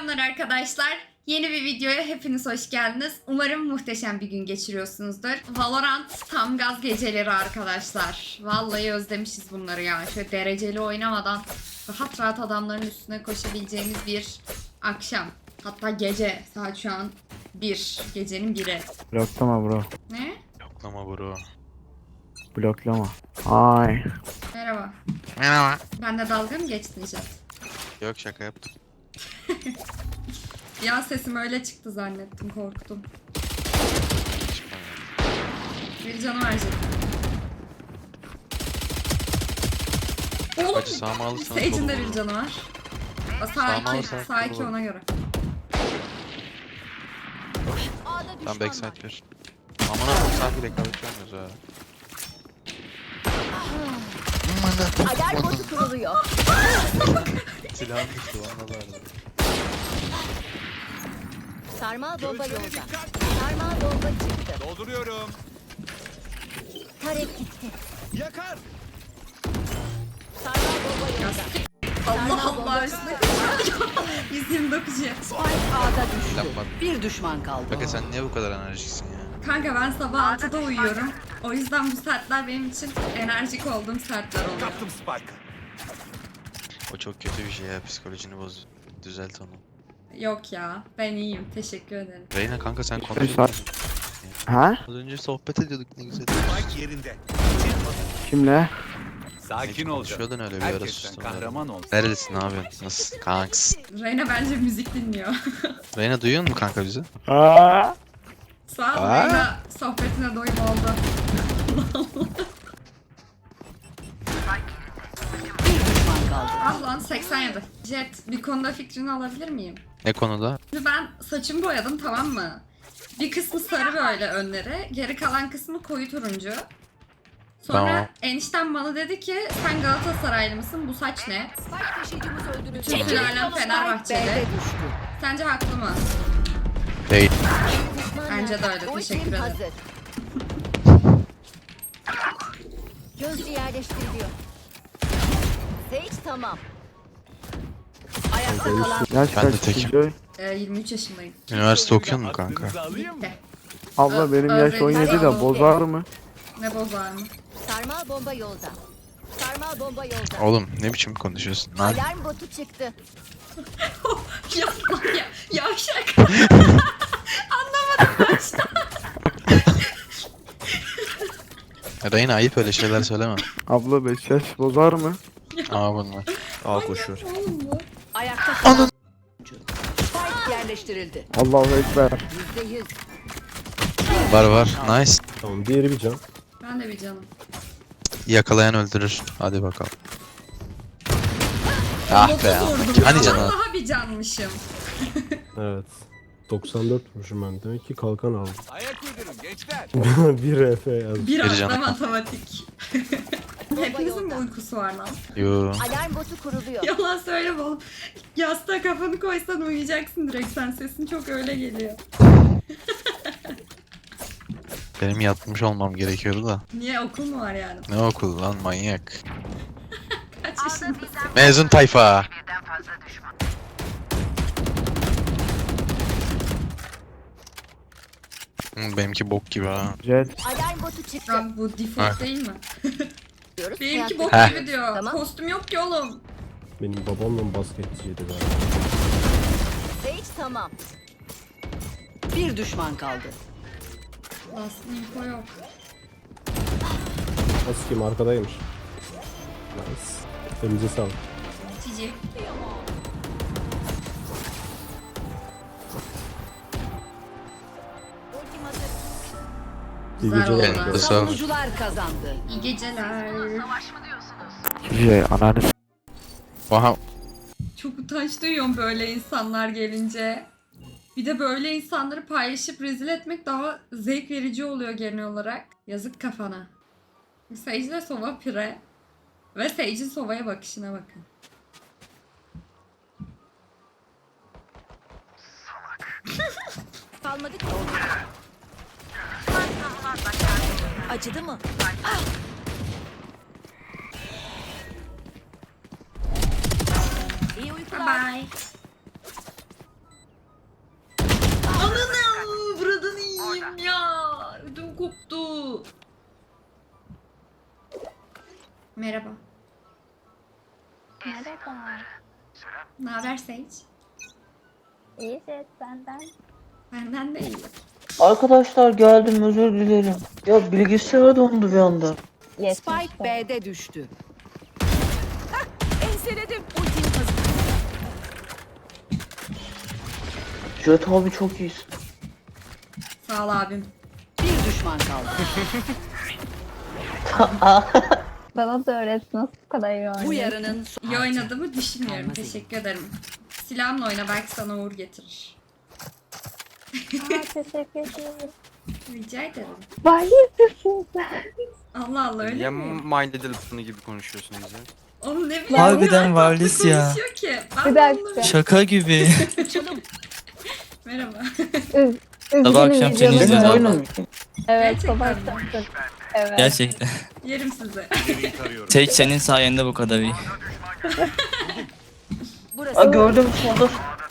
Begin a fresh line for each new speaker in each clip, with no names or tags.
Selamlar arkadaşlar. Yeni bir videoya hepiniz hoş geldiniz. Umarım muhteşem bir gün geçiriyorsunuzdur. Valorant tam gaz geceleri arkadaşlar. Vallahi özlemişiz bunları ya. Şöyle dereceli oynamadan rahat rahat adamların üstüne koşabileceğimiz bir akşam. Hatta gece. Saat şu an 1. Gecenin 1'i.
Bloklama bro.
Ne?
Yoklama bro.
Bloklama. Ay.
Merhaba.
Merhaba.
Ben de dalga mı geçtin Jet?
Yok şaka yaptım.
Ya sesim öyle çıktı zannettim, korktum. Bir canı verecek. Oğlum,
Hacı sağımı alırsanız
Sage'in de
olur.
bir canı var. Sağ
Sağımı
2,
alırsanız
sağ 2
olur.
ona göre.
Tam backside ver. Aman Allah'ım sanki rekabetçi olmuyoruz ha.
Alarm botu kuruluyor.
Silahım düştü valla bari.
Sarmal bomba yolda. Sarmal bomba çıktı.
Dolduruyorum.
Tarek gitti.
Yakar.
Sarmal bomba yolda.
Allah Allah üstüne. 129 jet.
Spike A'da düştü.
Yapmadım.
Bir düşman kaldı.
Kanka sen niye bu kadar enerjiksin ya?
Kanka ben sabah 6'da uyuyorum. O yüzden bu saatler benim için enerjik olduğum saatler oluyor.
Kaptım Spike'ı.
O çok kötü bir şey ya, psikolojini boz. Düzelt onu.
Yok ya, ben iyiyim. Teşekkür ederim.
Reyna kanka sen
Saat-
konuşuyordun.
Ha?
Az önce sohbet ediyorduk ne güzel.
Spike yerinde.
Kimle?
Sakin ol.
Konuşuyordun öyle bir ara
Herkesten
sustum.
kahraman ol.
Nerelisin abi? Nasıl? Kanks.
Reyna bence müzik dinliyor.
Reyna duyuyor musun kanka bizi?
Aa.
Sağ ol
Aa.
Reyna, sohbetine doyum oldu.
Bir düşman kaldı.
Ah lan 87. Jet, bir konuda fikrini alabilir miyim?
Ne konuda?
Şimdi ben saçımı boyadım, tamam mı? Bir kısmı sarı böyle önleri, geri kalan kısmı koyu turuncu. Sonra
Tamam.
eniştem bana dedi ki sen Galatasaraylı mısın, bu saç ne?
Spike taşıyıcımız öldürüldü.
Bütün sülalem Fenerbahçeli.
B'de düştü.
Sence haklı mı?
Değil.
Bence de öyle,
Ultim
teşekkür ederim.
hazır. Gözcü yerleştiriliyor. Sage tamam. Ayakta kalan
Yaş
Ben de
kaç
tekim.
Killjoy?
23 yaşındayım.
Üniversite okuyor musun kanka?
Aklınızı alayım mı?
Bitti.
Abla benim yaş
Öğrenci
17 de
oldu.
bozar mı?
Ne bozar mı?
sarmal bomba yolda. Sarmal bomba yolda.
Oğlum ne biçim konuşuyorsun lan?
Alarm botu çıktı.
Yapma ya, yavşak. Anlamadım başta.
Reyna ayıp öyle şeyler söyleme.
Abla 5 yaş bozar mı?
Aa bunlar.
Aa koşuyor.
Oğlum bu.
Ayakta kalan Spike yerleştirildi.
Allahu Ekber.
%100.
Var. Nice.
Tamam diğeri bir can.
Ben de bir canım.
Yakalayan öldürür. Hadi bakalım. Ah be.
Otuz vurdum
Hani
ya,
canı?
vallahi bir canmışım.
Evet. 94 vurmuşum ben. Demek ki kalkan aldım.
Ayak uydurun gençler.
bir RF yazdım.
Bir anda
canım.
matematik. Hepinizin mi uykusu var lan?
Yo.
Alarm botu kuruluyor.
Yalan söyleme oğlum. Yastığa kafanı koysan uyuyacaksın direkt, sen sesin çok öyle geliyor.
Benim yatmış olmam gerekiyordu da.
Niye, okul mu var yani?
Ne okul lan manyak.
Kaç yaşındasın?
Mezun tayfa. Benimki bok gibi ha.
Jet.
Alarm botu çıktı.
Lan bu default
Ha.
değil mi?
Diyoruz.
Benimki
Hayatta-
bok
Heh.
gibi diyor.
Tamam.
Kostüm yok ki oğlum.
Benim babamla basketçiydi galiba.
Sage tamam. Bir düşman kaldı.
Last info yok.
Nasıl kim arkadaymış. Nice. Elinize sağlık.
Cici.
İyi
Güzel
geceler.
oldu.
Elinize sağlık.
Savunucular kazandı.
İyi geceler.
Killjoy ananı s-
Oha.
Çok utanç duyuyorum böyle insanlar gelince. Bir de böyle insanları paylaşıp rezil etmek daha zevk verici oluyor genel olarak. Yazık kafana. Sage'de sova pire. Ve Sage'in sovaya bakışına bakın.
Kalmadı ki. Acıdı mı? İyi
Bye
uykular.
bye. Merhaba.
Merhaba.
Ne haber Sage?
İyi ses benden.
Benden de iyi.
Arkadaşlar geldim, özür dilerim. Ya bilgisayar dondu bir anda.
Spike B'de düştü. Hah, enseledim. Ultim hazır.
Jet abi çok iyisin.
Sağ ol abim.
Bir düşman kaldı.
Bana da öğret nasıl bu kadar iyi
Bu
oynuyor.
yarının son
İyi oynadığımı düşünmüyorum.
Kalmaz
Teşekkür ederim. Silahımla oyna, belki sana uğur getirir.
Aa, teşekkür ederim.
Rica ederim.
Var yapıyorsun sen.
Allah Allah, öyle
Ya
mi?
My Little Pony gibi konuşuyorsunuz ya.
Oğlum ne bileyim.
Harbiden
ya,
Varlis
tatlı
ya.
konuşuyor ki. Ben
Bir
de
dakika.
anlamıyorum.
Şaka gibi.
Merhaba.
Sabah akşam seni
videonu
izliyorum.
Benim
gördüm.
oyunum.
Evet
Gerçekten
sabah
mi?
akşam. Evet.
Gerçekten.
Yerim sizi.
İleriyi tarıyorum.
Tek senin sayende bu kadar iyi.
burası.
Aa, gördüm solda.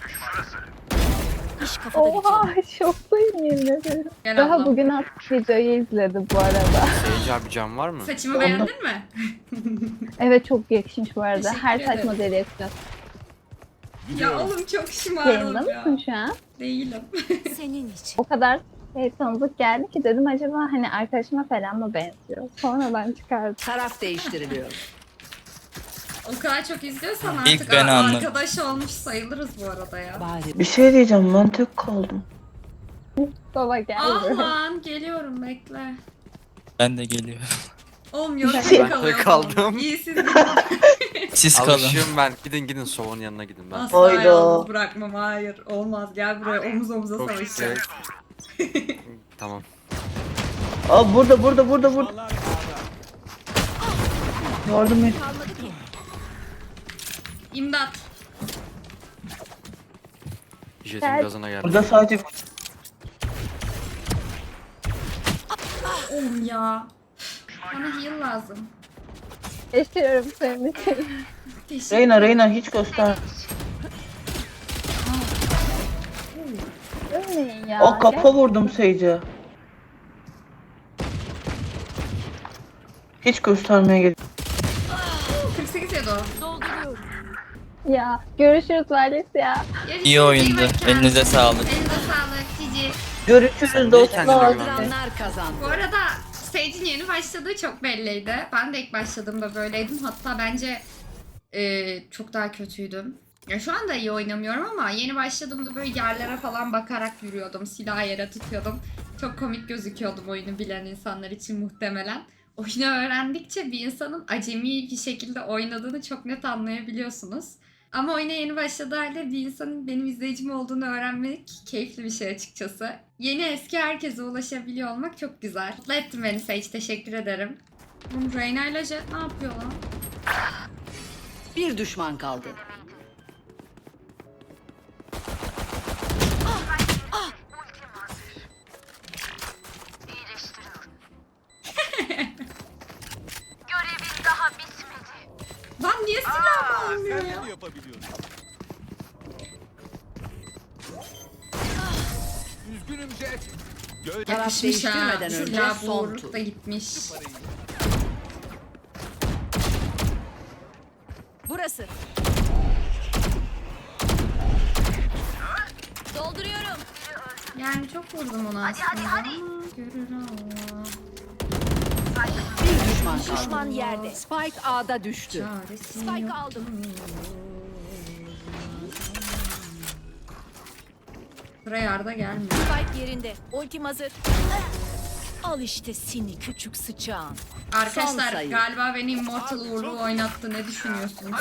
İş kafada bitiyor.
Oha şoktayım yemin ederim.
Gel
Daha
ablam.
bugün attık videoyu izledim bu arada.
Seyirci abi can var mı?
Saçımı beğendin mi?
Evet çok yakışmış bu arada.
Teşekkür
Her saç
ederim.
modeli yapacağız.
Ya oğlum çok
Yayında
şımardım ya.
mısın şu an?
Değilim.
Senin için.
O kadar tanıdık geldi ki dedim acaba hani arkadaşıma falan mı benziyor? Sonradan çıkardım.
Taraf değiştiriliyor.
O kadar çok izliyorsan
İlk
artık
ben anladım.
arkadaş olmuş sayılırız bu arada ya.
Bari
Bir şey diyeceğim, ben tek kaldım.
Baba geldi.
Aman geliyorum, bekle.
Ben de geliyorum.
Oğlum yorum
Ben
kalıyor.
kaldım.
İyi siz gidin.
Siz kalın.
Alışığım ben. Gidin Sova'nın yanına gidin ben.
Asla
Hayda.
yalnız bırakmam, hayır. Olmaz, gel buraya omuz omuza
Çok
savaşacağız.
Tamam.
Aa burada. Yardım et.
İmdat.
Jetin
Gel.
gazına geldi.
Burada sadece
Oğlum ya. Bana heal lazım.
Yaşıyorum senin için.
Teşekkür
Reyna hiç göster.
Ölmeyin ya.
O kafa vurdum Sage'e. Hiç göstermeye gerek.
48 yedi o.
Ya görüşürüz Valis ya.
Görüşürüz,
İyi oyundu.
iyi bak kendine.
Elinize sağlık.
Elinize sağlık Cici.
Görüşürüz
kendine
dostlar.
güven.
Kaldıranlar kazandı.
Bu arada Sage'in yeni başladığı çok belliydi. Ben de ilk başladığımda böyleydim. Hatta bence çok daha kötüydüm. Ya şu anda iyi oynamıyorum ama yeni başladığımda böyle yerlere falan bakarak yürüyordum. Silahı yere tutuyordum. Çok komik gözüküyordum oyunu bilen insanlar için muhtemelen. Oyunu öğrendikçe bir insanın acemi bir şekilde oynadığını çok net anlayabiliyorsunuz. Ama oyuna yeni başladığı halde bir insanın benim izleyicim olduğunu öğrenmek keyifli bir şey açıkçası. Yeni eski herkese ulaşabiliyor olmak çok güzel. Mutlu ettin beni Sage, teşekkür ederim. Bu Reyna ile Jet ne yapıyor lan?
Bir düşman kaldı.
Lan niye silah almıyor
Sen
ya?
bunu yapabiliyorsun. Üzgünüm Jet. Göz
Taraf
Yakışmış ha.
değiştirmeden önce
Silah
son
boğurluk
tur.
da gitmiş.
Burası. Dolduruyorum.
Yani çok vurdum ona aslında ama görür Allah.
Bir düşman kaldı. Düşman yerde. Spike A'da düştü.
Çaresi
Spike
yok.
aldım.
Buraya yarda gelmiyor.
Spike yerinde. Ultim hazır. Al işte seni küçük sıçağın. Son
Arkadaşlar
sayı.
galiba beni Immortal uğurlu oynattı. Ne düşünüyorsunuz?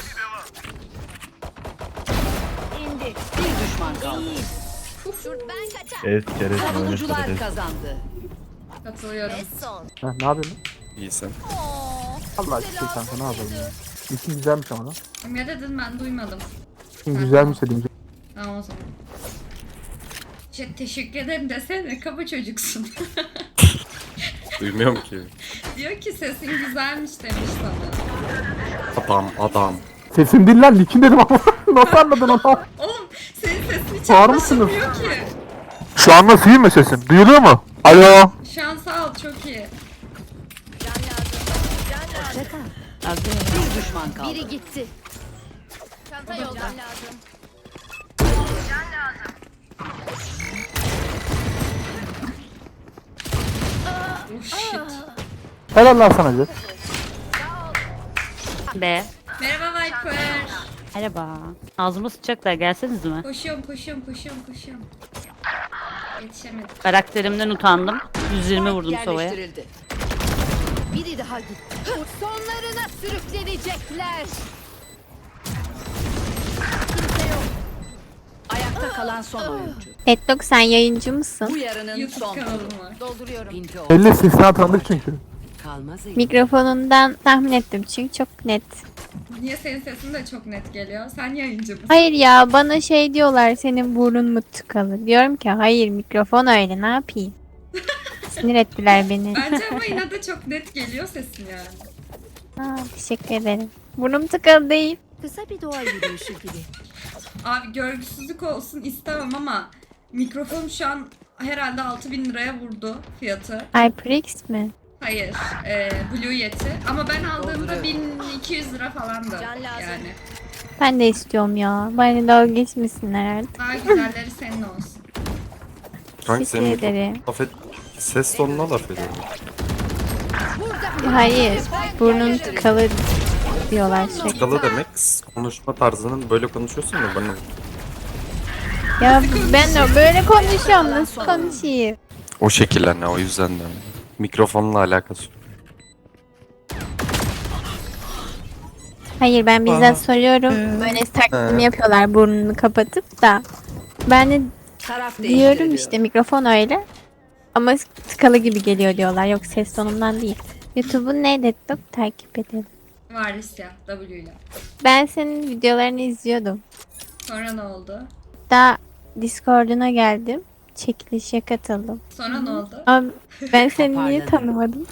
İndi. Bir düşman kaldı. Ben kaçar. Savunucular kazandı.
Katılıyorum.
Ha, ne yapıyorsun?
İyisin.
Allah aşkına kanka ne yapalım ya. İşin güzelmiş ama lan.
Ne dedin ben duymadım.
İşin güzelmiş dedim.
Tamam o zaman. Teşekkür ederim desene, kaba çocuksun.
Duymuyorum ki.
Diyor ki sesin güzelmiş demiş sana.
Adam.
Sesim değil lan, nikin dedim ama. Nasıl anladın onu?
Oğlum senin sesin hiç
Bağır mısınız?
anlaşılmıyor ki.
Şu an nasıl, iyi mi sesim? Duyuluyor mu? Alo.
Şu an sağ ol, çok iyi.
Bir düşman kaldı.
Biri gitti. Çanta yolda. Lazım.
Oh shit.
Helal lan sana Jet.
Be.
Merhaba Viper.
Merhaba. Ağzıma sıçacaklar, gelseniz mi?
Koşuyorum. Yetişemedim.
Karakterimden utandım. 120 vurdum sovaya.
Yerleştirildi.
Biri daha gitti. Sonlarına sürüklenecekler.
Ayakta kalan son oyuncu.
Deadlock sen yayıncı mısın?
Bu yarının
YouTube
son
kanalım
turu.
var.
Dolduruyorum.
Pinti oldu.
50 sisine tanıdık çünkü.
Kalmaz iyi.
Mikrofonundan tahmin ettim çünkü çok net.
Niye senin sesin de çok net geliyor? Sen yayıncı mısın?
Hayır ya bana şey diyorlar senin burnun mu tıkalı? Diyorum ki hayır mikrofon öyle ne yapayım? Sinir ettiler beni.
Bence ama yine de çok net geliyor sesin yani.
Aa, teşekkür ederim. Burnum tıkalı değil.
Kısa bir doğa yürüyüşü gibi.
Abi görgüsüzlük olsun istemem ama mikrofon şu an herhalde 6.000 liraya vurdu fiyatı.
HyperX mi?
Hayır, Blue Yeti. Ama ben aldığımda 1200 lira falandı.
Can lazım.
Yani.
Ben de istiyorum ya. Bana dalga geçmesinler artık.
Daha güzelleri senin olsun.
Kanka
Teşekkür ederim.
ses tonuna laf ediyorum.
Hayır. Burnun tıkalı diyorlar sürekli.
Skalı demek konuşma tarzının böyle konuşuyorsun ya bana.
Ya ben de böyle konuşuyorum. Nasıl konuşayım?
O şekilde ne o yüzden de. Mikrofonla alakası yok.
Hayır ben bizzat soruyorum. Böyle takdim yapıyorlar burnunu kapatıp da. Ben de
Taraf
diyorum
değiştiriliyor.
işte mikrofon öyle. Ama tıkalı gibi geliyor diyorlar. Yok ses tonumdan değil. YouTube'un ne Deadlock takip edelim.
Varlisya, W ile.
Ben senin videolarını izliyordum.
Sonra ne oldu?
Daha Discord'una geldim. Çekilişe katıldım.
Sonra ne oldu?
Ama ben seni niye tanımadım?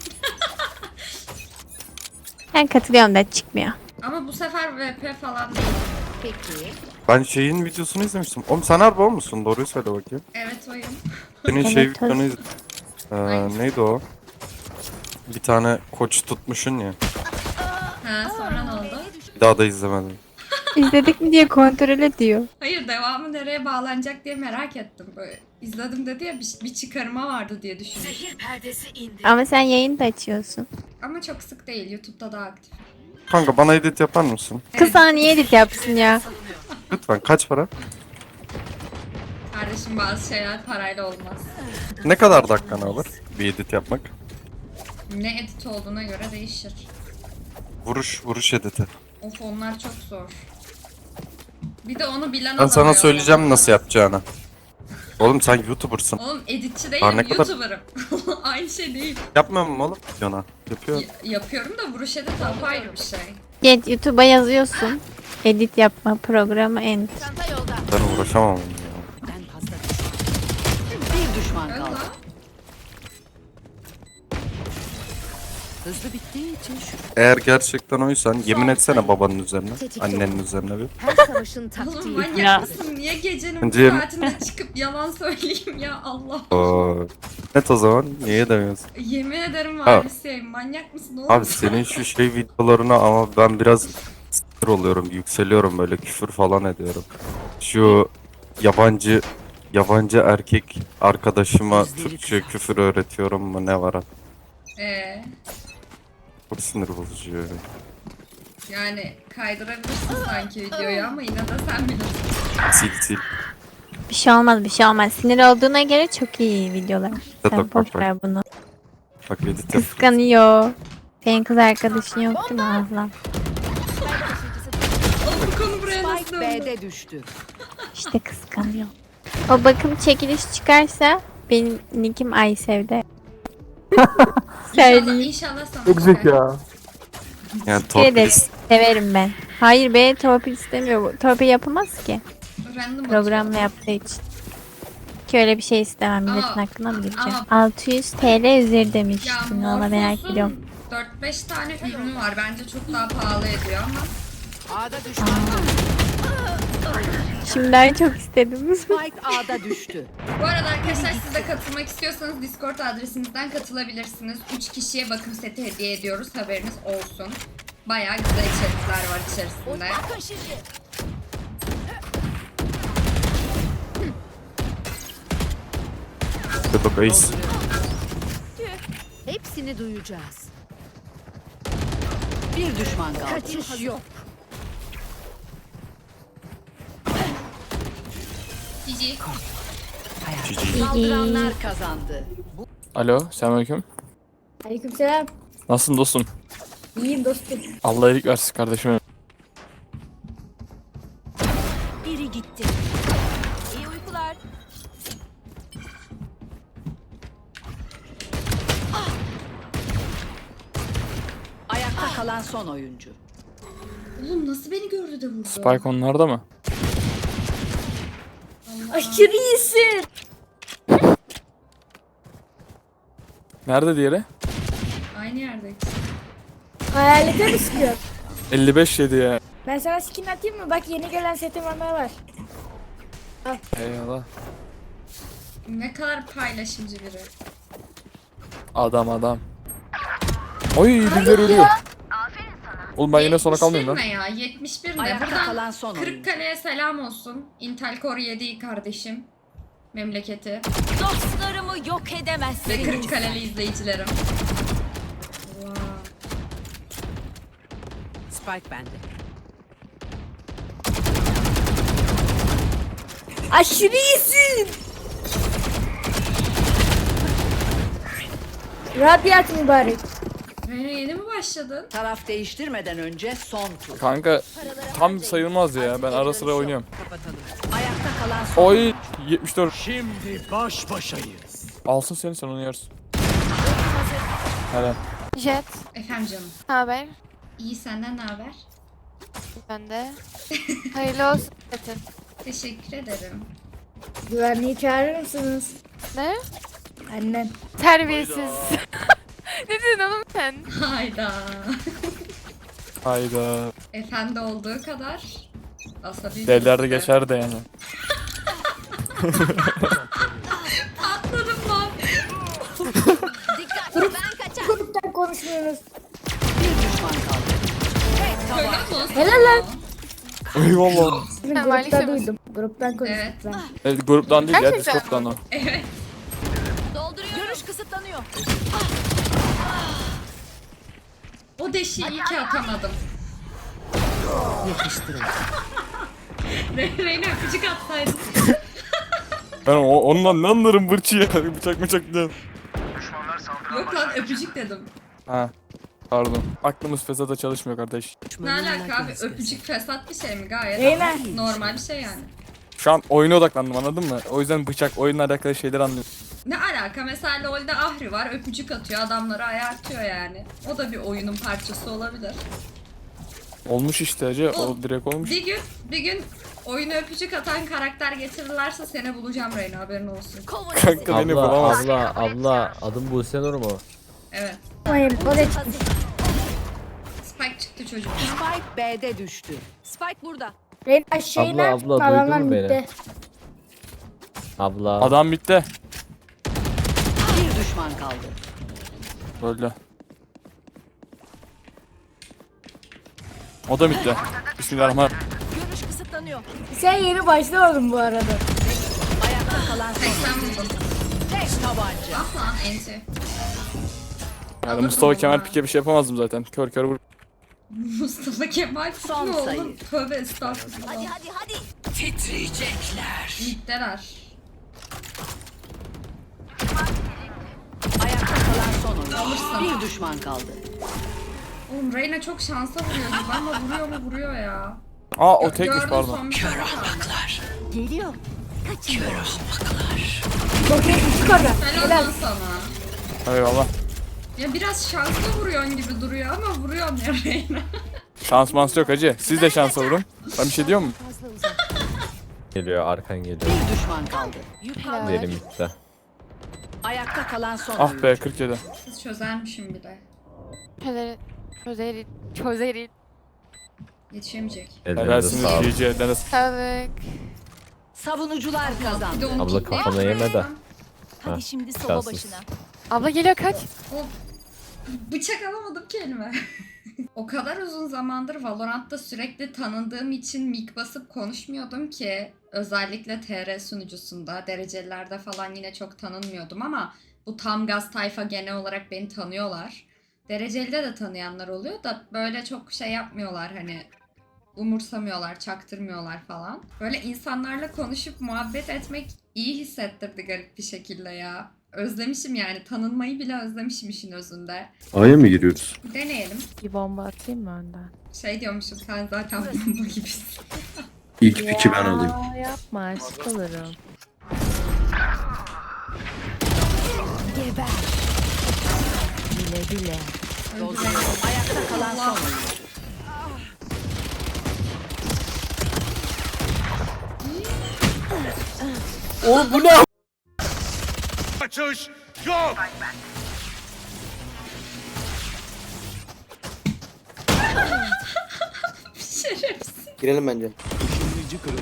Ben katılıyorum da çıkmıyor.
Ama bu sefer VP falan değil.
Peki.
Ben şeyin videosunu izlemiştim. Oğlum sen harbi o musun? Doğruyu söyle bakayım.
Evet oyum.
Senin
Evet,
şey
tabii.
videonu izledim. Neydi o? Bir tane koç tutmuşsun ya.
Ha sonra ne oldu?
Bir daha da izlemedim.
İzledik mi diye kontrol ediyor.
Hayır devamı nereye bağlanacak diye merak ettim. Böyle izledim dedi ya bir çıkarıma vardı diye düşündüm.
Ama sen yayın da açıyorsun.
Ama çok sık değil. YouTube'da daha aktif.
Kanka bana edit yapar mısın?
Kız sana niye edit yapsın ya?
Lütfen kaç para?
Kardeşim bazı şeyler parayla olmaz.
Ne kadar dakikanı alır bir edit yapmak?
Ne edit olduğuna göre değişir.
Vuruş editi.
Of onlar çok zor. Bir de onu bilen
Ben sana
alamıyor.
söyleyeceğim nasıl yapacağını. Oğlum sen YouTuber'sın.
Oğlum editçi
Aa,
değilim,
ne kadar-
YouTuber'ım. Aynı şey değil.
Yapmıyor mu oğlum? Yana. Yapıyor.
Yapıyorum da vuruş edit apayrı bir şey.
Git YouTube'a yazıyorsun. Edit yapma programı en.
Çanta yolda.
Ben uğraşamam onunla ya.
Ben fazla düşman. Bir düşman
Öyle
kaldı.
lan.
Hızlı bittiği için şu.
Eğer gerçekten oysan yemin etsene babanın üzerine, annenin üzerine bir.
Her savaşın
Oğlum
taktiği.
manyak
Ya.
mısın? Niye gecenin
Bence-
bu saatinde çıkıp yalan söyleyeyim ya Allah.
Oo. Net o zaman niye demiyorsun?
Yemin ederim
Ha.
Varlisiyim. Manyak mısın oğlum?
Abi senin şu şey videolarına ama ben biraz sinir oluyorum, yükseliyorum böyle küfür falan ediyorum. Şu yabancı erkek arkadaşıma Türkçe küfür öğretiyorum mu ne var? Çok sinir bozucu yani.
Yani kaydırabilirsin sanki videoyu ama yine de sen bilirsin.
Sil.
Bir şey olmaz bir şey olmaz. Sinir olduğuna göre çok iyi videolar. Sen
bak,
boş
bak.
ver bunu.
Bak edit yap.
Kıskanıyor. Senin kız arkadaşın yok değil mi Azlan?
Oğlum bu konu buraya nasıl
Spike
döndü?
B'de düştü.
İşte kıskanıyor. O bakım çekiliş çıkarsa benim nickim Aysev'de. Söyleyeyim.
İnşallah sana
Çok güzel
çıkar.
ya.
Yani
Teşekkür ederim.
torpilist.
Severim ben. Hayır be torpil istemiyor. Torpil yapamaz ki.
Random
Programla
atıyor.
yaptığı için. Ki öyle bir şey istemem. Milletin
Ama-
hakkına mı gireceğim?
ama-
600 TL üzeri
Ya
demiştin. Valla merak
Morphos'un
ediyorum.
4-5 tane ürünü var. Bence çok daha pahalı ediyor ama.
A'da düşman kaldı.
Şimdiden çok istedim.
Spike A'da düştü.
Bu arada arkadaşlar siz de katılmak istiyorsanız Discord adresimizden katılabilirsiniz. 3 kişiye bakım seti hediye ediyoruz. Haberiniz olsun. Bayağı güzel içerikler var içerisinde.
Bakın şimdi.
Yok Ace.
Hepsini duyacağız. Bir düşman kaldı. Kaçış yok.
Cici.
Saldıranlar kazandı.
Alo, selamünaleyküm.
Aleykümselam.
Nasılsın dostum?
İyiyim dostum.
Allah iyilik versin kardeşim.
Biri gitti. İyi uykular.
Ayakta kalan son oyuncu.
Oğlum nasıl beni gördü de vurdu?
Spike onlarda mı?
Aşırı iyisin.
Nerede diğeri?
Aynı yerdeki.
Hayalete mi sıkıyor?
55 yedi ya.
Ben sana skin atayım mı? Bak yeni gelen setim var.
Eyvallah.
Ne kadar paylaşımcı biri.
Adam. Oy birileri ölüyor. Oğlum ben yine sona
71
kalmayayım lan.
ne ya? 71 ne?
Ayakta
Buradan
kalan son oyuncu.
Kırıkkale'ye selam olsun. Intel Core 7 kardeşim. Memleketi.
Dostlarımı yok
Ve
edemezsiniz.
Kırıkkaleli izleyicilerim. Wow.
Spike bende.
Aşırı iyisin. Radyat mübarek.
Reyna yeni mi başladın?
Taraf değiştirmeden önce son tur.
Kanka tam sayılmaz ya. Ben ara sıra oynuyorum.
Kapatalım. Ayakta kalan son
Oy 74.
Şimdi baş başayız.
Alsın seni sen onu yersin. Helal.
Jet.
Efendim canım.
Ne haber?
İyi senden ne haber?
Ben de. Hayırlı olsun setin.
Teşekkür ederim.
Güvenliği çağırır mısınız? Ne? Annen.
Terbiyesiz. Ne diyorsun oğlum sen?
Hayda.
Hayda.
Efendi olduğu kadar asabi.
Deliler de geçer de yani.
Atladım lan.
Dikkat ben kaçar.
Gruptan konuşmuyoruz.
bir düşman kaldı.
Söyler misin?
Helal lan.
Eyvallah.
Grupta duydum. Gruptan konuştuk
Evet.
ben.
Evet gruptan değil ya
Gerçekten
Discord'dan o.
Evet.
Dolduruyorum. Görüş kısıtlanıyor.
O deşiği iyi ki atamadım.
Yakıştırın.
Reyna öpücük atsaydın.
Ben ondan ne anlarım bırçı ya. Bıçak diyorum.
Yok lan öpücük dedim.
Ha. Pardon. Aklımız fesata çalışmıyor kardeş.
Ne alaka abi, öpücük fesat bir şey mi? Gayet
Reyna.
normal bir şey yani.
Şu an oyuna odaklandım anladın mı? O yüzden bıçak oyunla alakalı şeyleri anlıyorum.
Ne alaka, mesela LoL'de Ahri var, öpücük atıyor, adamları ayartıyor yani. O da bir oyunun parçası olabilir.
Olmuş işte hacı. O direkt olmuş.
Bir gün oyuna öpücük atan karakter getirirlerse seni bulacağım Reyna, haberin olsun.
Kanka beni bulamaz.
Abla adım Buse Nur mu?
Evet.
Hayır, o da çıktı.
Spike çıktı çocuk.
Spike B'de düştü.
Spike burada.
Reyna şeyler
Abla, duydun
adamlar
mu beni?
bitti.
Abla.
Adam bitti.
Bir düşman kaldı.
Böyle. O da bitti. Bismillahirrahmanirrahim.
Görüş kısıtlanıyor.
Sen yeni başlamadın bu arada.
Ayakta kalan son
80
oyuncu.
vurdum.
Tek tabanca.
Ah lan enti.
Yani Mustafa Kemal Pike bir şey yapamazdım zaten. Kör vur.
Mustafa Kemal
Son
mi oğlum?
sayı.
Tövbe estağfurullah.
Hadi.
Titriyecekler.
Middeler.
Ayakta kalan son oyuncu.
Alırsın.
Bir düşman kaldı.
Oğlum Reyna çok şansa vuruyor gibi ama vuruyor ya.
Aa o tekmiş
Gördüm
pardon.
son bir tane kaldı.
Geliyor.
Bakayım küçük orada.
Helal lan sana.
Eyvallah.
Ya biraz şanslı vuruyorsun gibi duruyor ama vuruyorsun ya Reyna.
Şans mans yok hacı. Siz de şansa vurun. Ben bir şey diyor mu?
Geliyor arkan geliyor.
Bir düşman kaldı.
Diyelim bitti.
Ayakta kalan son
Ah
oyuncu.
be 47.
Kız çözermişim bir de.
Çözerin.
Yetişemeyecek.
Ellerine
Helalsiniz
sağlık.
GG ellerine sağlık.
Sağlık.
Savunucular
Bir de
kazandı.
onu
Abla
kitleyip
kafana yeme de.
vuruyorum.
Hadi şimdi soba
şanssız.
başına.
Abla geliyor kaç.
O bıçak alamadım kelime. O kadar uzun zamandır Valorant'ta sürekli tanındığım için mic basıp konuşmuyordum ki. Özellikle TR sunucusunda, derecelilerde falan yine çok tanınmıyordum ama bu tam gaz tayfa genel olarak beni tanıyorlar. Derecelide de tanıyanlar oluyor da böyle çok şey yapmıyorlar hani umursamıyorlar, çaktırmıyorlar falan. Böyle insanlarla konuşup muhabbet etmek iyi hissettirdi garip bir şekilde ya. Özlemişim yani. Tanınmayı bile özlemişim işin özünde.
A'ya mı giriyoruz?
Deneyelim.
Bir bomba atayım mı önden?
Şey diyormuşum sen zaten bomba gibisin.
İlk piki ben alayım.
Yapma aşk olurum.
Geber.
Güle güle.
Ayakta kalan son oyuncu.
Oğlum bu ne?
Kaçış yok.
Şerefsiz.
Girelim bence.
Işınlayıcı kırıldı.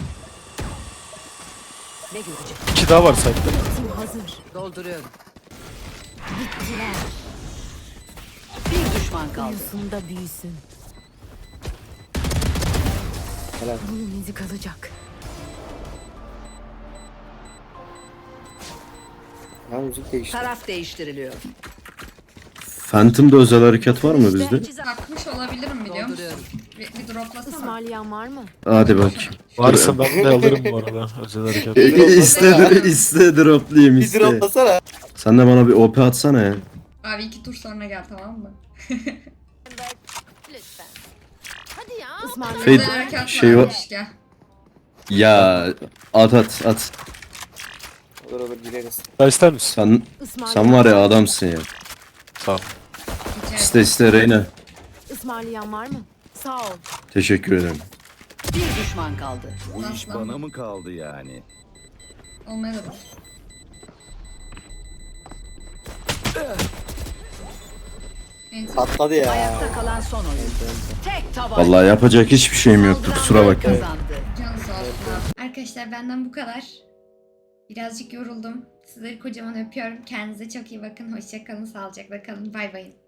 Ne görecek?
2 daha var site'de.
Tim hazır.
Dolduruyorum.
Bittiler.
Bir düşman kaldı.
Uyusunda büyüsün.
Helal.
Bunun izi kalacak.
Ha müzik değişti.
Taraf değiştiriliyor.
Phantom'da özel hareket var mı bizde?
Takmış olabilirim biliyor musun?
Dolduruyorum.
Bir droplasana.
Ismarlayan var mı?
Hadi bak. Varsa ben de alırım bu arada. Özel hareket. iste droplayayım
Bir droplasana.
Sen de bana bir OP atsana ya.
Abi 2 tur sonra gel tamam mı?
Lütfen. Hadi ya.
Fade
Özel harekat
şey var.
varmış, gel.
Ya at.
Olur olur gireriz.
Daha ister misin?
Sen var ya adamsın ya.
Sağ ol.
Rica
İste Reyna.
Ismarlayan var mı? Sağ ol.
Teşekkür ederim.
Bir düşman kaldı.
Bu iş bana mı kaldı yani?
Olmayabilir. Enter.
Patladı ya.
Ayakta kalan son oyuncu. Tek taban.
Vallahi yapacak hiçbir şeyim yoktu. Kusura bakmayın.
Kazandı.
Canı sağ olsun. Arkadaşlar benden bu kadar. Birazcık yoruldum. Sizleri kocaman öpüyorum. Kendinize çok iyi bakın. Hoşça kalın. Sağlıcakla kalın. Bay bay.